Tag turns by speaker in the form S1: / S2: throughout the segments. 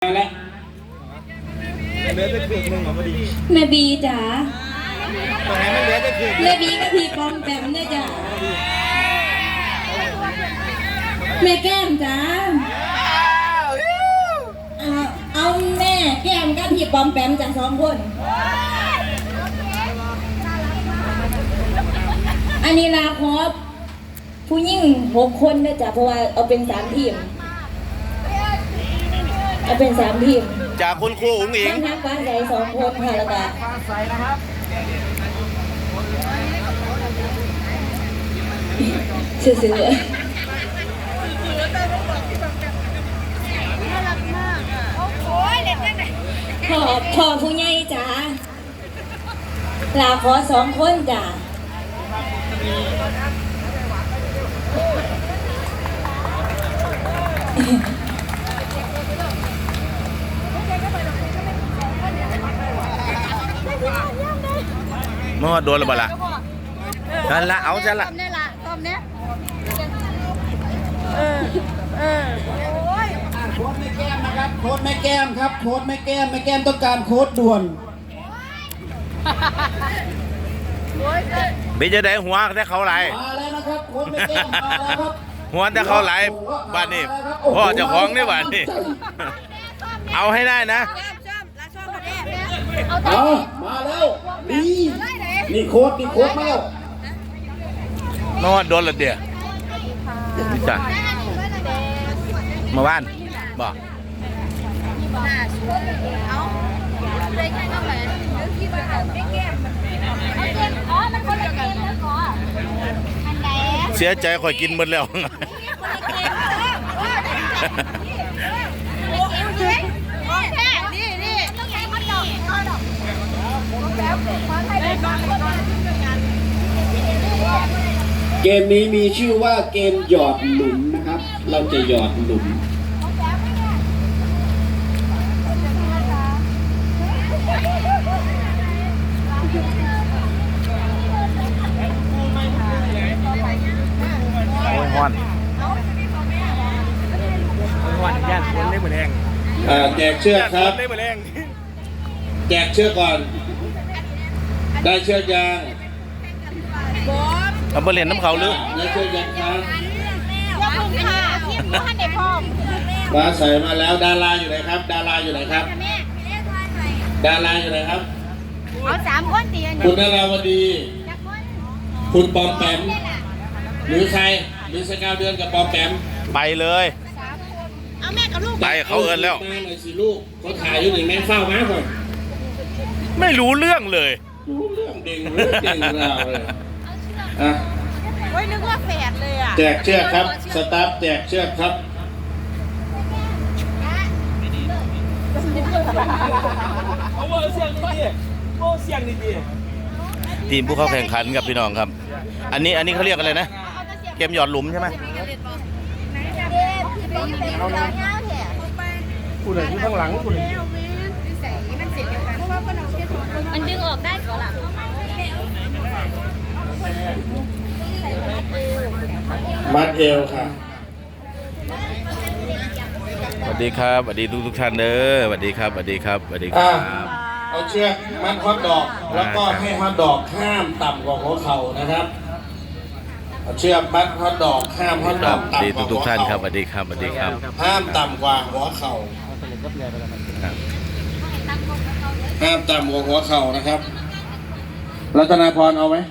S1: แล้ว
S2: เหลือจะคืนหนึ่งพอดี
S3: แม่บีจ๋า
S2: ตรงไหนไม่เหลือจะคืน
S3: แม่บีกับพี่ปอมแปมเนี่ยจ้ะแม่แก้มจ๋าเอาแม่แก้มกับพี่ปอมแปมจ้ะ2 คนอันนี้ลาครบผู้หญิง6 คนเนี่ยจ้ะเพราะว่าเอาเป็น3 ทีมเอาเป็น3 ทีม
S2: จากคุณครูอุ๋งอิง
S3: ทั้งฟ้าใส2 คนค่ะแล้วก็
S2: ฟ้าใสนะครับ
S3: ซื่อๆพ่อผู้ใหญ่จ้าลาขอ2 คนจ้า
S2: เมื่อโดนหรือเปล่านั่นละเอาจะละ
S4: ต้มเนี่ยละต้มเนี่ย
S1: โค้ดแม่แก้มนะครับโค้ดแม่แก้มครับโค้ดแม่แก้มต้องการโค้ดด่วน
S2: บีจะได้หัวแต่เขาไหล
S1: มาแล้วนะครับโค้ดแม่แก้มมาแล้วครับ
S2: หัวแต่เขาไหลบ้านนี้พ่อเจ้าของนี่บ้านนี้เอาให้ได้นะ
S1: เอามาแล้วนี่โค้ดมาแล้ว
S2: นอนโดนละเดียวนี่จ้ะมาบ้านบอกเสียใจข่อยกินหมดแล้ว
S1: เกมนี้มีชื่อว่าเกมหยอดหลุมนะครับ เราจะหยอดหลุม
S2: ฮอนย่านคนได้เหมือนแรง
S1: แจกเชือกครับแจกเชือกก่อนได้เชือกยาง
S2: เอาไปเรียนน้ำเขาหรือ
S1: ได้เชือกยางครับ
S4: ขอบคุณค่ะที่ผู้ให้เด็กพ่อ
S1: มาใส่มาแล้วดาราอยู่ไหนครับดาราอยู่ไหนครับดาราอยู่ไหนครับ
S4: เอา3 คนตี
S1: คุณดาราวดีคุณปอมแปมหรือใครหรือสกาวเดือนกับปอมแปม
S2: ไปเลย
S4: เอาแม่กับลูก
S2: ไปเขาเอินแล้ว
S1: มาหน่อยสิลูกเขาถ่ายอยู่หนึ่งแม่เฝ้ามาก่อน
S2: ไม่รู้เรื่องเลย
S1: รู้เรื่องเด่งเราเลย
S4: โอ้ยนึกว่าแฝดเลยอ่ะ
S1: แจกเชือกครับสตาฟแจกเชือกครับ
S2: ทีมผู้เข้าแข่งขันกับพี่น้องครับอันนี้เขาเรียกอะไรนะเกมหยอดหลุมใช่ไหม
S4: คุณอะไรอยู่ข้างหลังคุณมันดึงออกได้ก่อนล่ะ
S1: มัดเอวค่ะ
S2: สวัสดีครับสวัสดีทุกท่านเด้อสวัสดีครับสวัสดีครับสวัสดีครับ
S1: เอาเชือกมัดฮอตดอกแล้วก็ให้ฮอตดอกห้ามต่ำกว่าหัวเข่านะครับเอาเชือกมัดฮอตดอกห้ามฮอตดอกต่ำกว่า
S2: ทุกท่านครับสวัสดีครับสวัสดีครับ
S1: ห้ามต่ำกว่าหัวเข่าห้ามต่ำกว่าหัวเข่านะครับรัตนาพรเอาไหม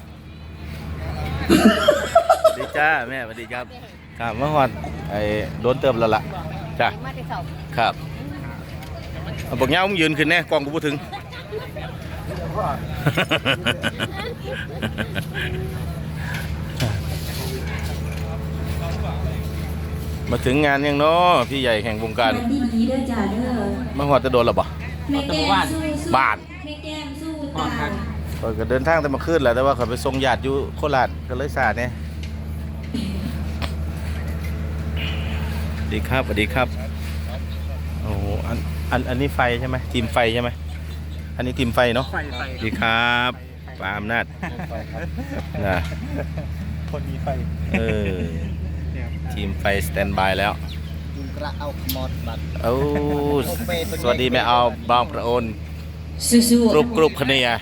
S2: สวัสดีจ้าแม่สวัสดีครับครับเมื่อวานไอ้โดนเติมแล้วล่ะจ้าครับบอกเงี้ยมึงยืนขึ้นแน่กองกูพูดถึงมาถึงงานยังเนาะพี่ใหญ่แห่งวงการ
S3: ดีๆเด้อจ้าเด้อ
S2: เมื่อวานจะโดนหรอบ่
S3: แม่แก้มสู้
S2: บ้าน
S3: แม่แก้มสู้ตา
S2: ก็เดินทางแต่มาขึ้นแหละแต่ว่าเขาไปส่งญาติอยู่โคราชก็เลยสาดเนี่ยดีครับสวัสดีครับโอ้อันนี้ไฟใช่ไหมทีมไฟใช่ไหมอันนี้ทีมไฟเนาะดีครับปาอำนาจนะ
S5: คนมีไฟ
S2: ทีมไฟสแตนบายแล้ว
S5: กระเอาขมอดบัด
S2: โอ้สวัสดีแม่เอาบางประโอน
S3: สู้
S2: กรุบคเนีย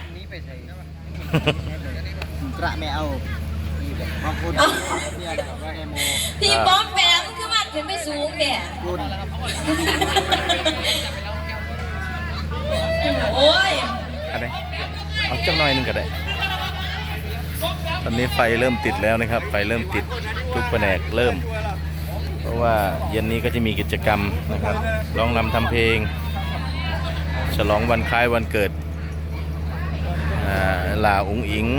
S5: กระไม่เอาบางคนเนี่ยนะว่าเอโม
S3: ๆพี่ป้อมแปมคือมันขึ้นไปสูงเนี่ย
S5: คุณ
S3: โอ้ย
S2: อะไรเอาจักหน่อยหนึงก็ได้ตอนนี้ไฟเริ่มติดแล้วนะครับไฟเริ่มติดทุกแผนกเริ่ม เพราะว่าเย็นนี้ก็จะมีกิจกรรมนะครับร้องรำทำเพลง ฉลองวันคล้ายวันเกิดหลาอุ๋งอิง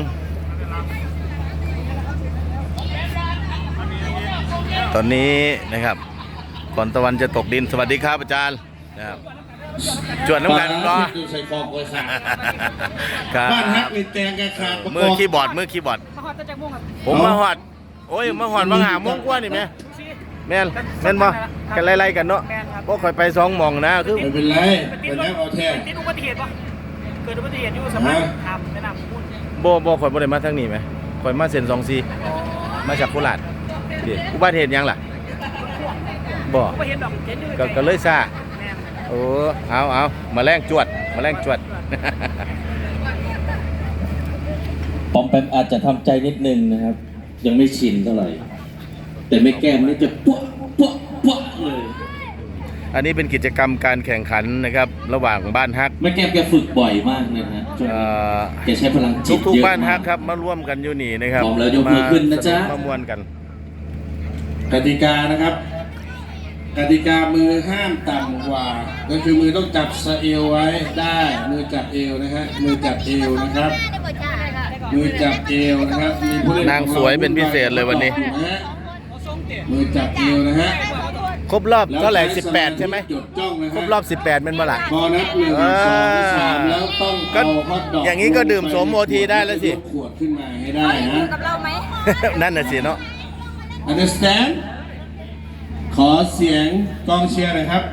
S2: ตอนนี้นะครับก่อนตะวันจะตกดินสวัสดีครับอาจารย์นะครับจวดน้ำกันเนาะ
S1: ดูใส่คอกเลยค่ะ
S2: ครับ
S1: บ้านฮักมีแตงกระขาดประก
S2: มือ
S1: อบ
S2: คีย์บอร์ดผมมาหอดโอ้ยมาหอดบางหาโมงกว่านี่แม่แม่นบ่กันไล่ๆกันเนาะพวกข่อยไป2หม่องนะคือ
S1: ไม่เป็นไรเป็นแล้วเอาแท้
S6: ติดอุบัติเหตุปะเกิดอุบัติเหตุอยู่สมัยทำแนะนำพูด
S2: บ่ข่อยบ่ได้มาทางนี้ไหมข่อยมาเส้น24มาจากโคราชดิอุบัติเหตุหยังล่ะบ่
S6: อุบัติเหตุดอกเห็นอยู่
S2: ก็เลยซ่า
S6: แม่น
S2: โอ้เอามาแรงจวด
S7: ปอมแปมอาจจะทำใจนิดนึงนะครับ ยังไม่ชินเท่าไหร่ แต่ไม่แก้มนี่จะปุ๊บเลย
S2: อันนี้เป็นกิจกรรมการแข่งขันนะครับ ระหว่างบ้านฮัก
S7: ไม่แก้มแกฝึกบ่อยมากนะฮะช่วงนี้แกใช้พลังจิต
S2: ทุก
S7: เยอะ
S2: ๆบ้านฮั
S7: มาก ก
S2: ครับมาร่วมกันอยู่นี่นะครับ
S7: พร้อมแล้วยกมือขึ้นนะจ๊ะ
S2: มามวนกัน
S1: กติกานะครับ กติกามือห้ามต่ำกว่า ก็คือมือต้องจับสะเอวไว้ได้มือจับเอวนะฮะมือจับเอวนะครับ มือจับเอวนะครับมีผู้เล่น
S2: นางสวยเป็นพิเศษเลยวันนี้
S1: มือจับเอวนะฮะ
S2: ครบรอบเท่าไหร่18 ใช่ไหม
S1: จดจ้องนะฮะ
S2: ครบรอบ18เป็นเมื่อไหร่
S1: พอนับ1 2 3แล้วต้อง
S2: ก็
S1: เอาฮอตดอก
S2: อย่างนี้ก็ดื่มโสมโอทีได้แล้วสิ
S1: ยกขวดขึ้นมาให้ได้นะ
S4: กับเราไหม
S2: นั่นน่ะสิเนาะ
S1: understand ขอเสียงกองเชียร์หน่อยครับ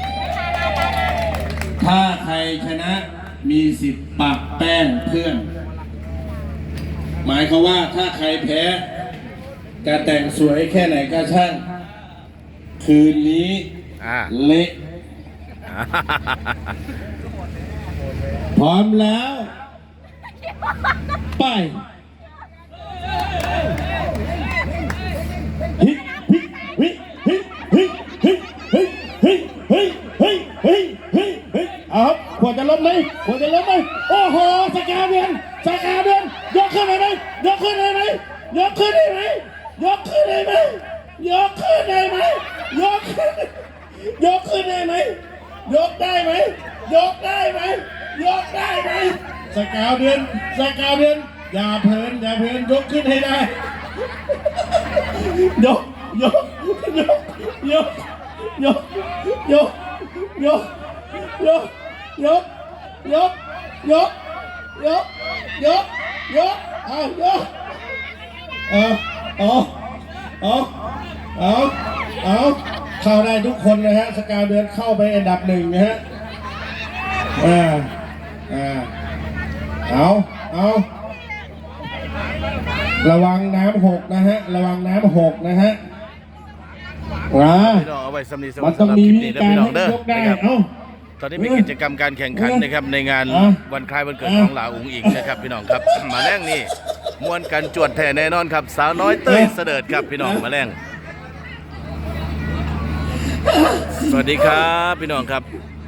S1: ถ้าใครชนะมีสิทธิ์ปักแป้งเพื่อน หมายความว่าถ้าใครแพ้จะแต่งสวยแค่ไหนก็ช่าง คืนนี้
S2: อ่า
S1: เละ พร้อมแล้ว ไปฮิเอาครับควรจะล้มไหมควรจะล้มไหมโอ้โหสกาเดือนยกขึ้นได้ไหมยกขึ้นได้ไหมยกขึ้นได้ไหมยกขึ้นได้ไหมยกขึ้นได้ไหมยกขึ้นยกขึ้นได้ไหมยกได้ไหมยกได้ไหมยกได้ไหมสกาเดือนอย่าเพลินยกขึ้นให้ได้ยกเอาเข้าได้ทุกคนนะฮะสกาวเดือนเข้าไปอันดับ1นะฮะเอาระวังน้ำหกนะฮะพี่น้อง
S2: เอาไว้สำนีสำห
S1: มั
S2: รั
S1: น
S2: บ
S1: ต้อง
S2: ค
S1: มี
S2: ลิป
S1: วิ
S2: นี้
S1: ธี
S2: นะ
S1: การ
S2: พี่น้องเด้อ
S1: ให้ยกได้
S2: นะครับ
S1: เอ้า
S2: ตอนนี้มีกิจกรรมการแข่งขันนะครับในงานวันคล้ายวันเกิดของหลาอุ๋งอิงนะครับพี่น้องครับ มาแรงนี่มวนกันจวดแท้แน่นอนครับสาวน้อยเต้ยเสด็จครับพี่น้องมาแรงสวัสดีครับพี่น้องครับ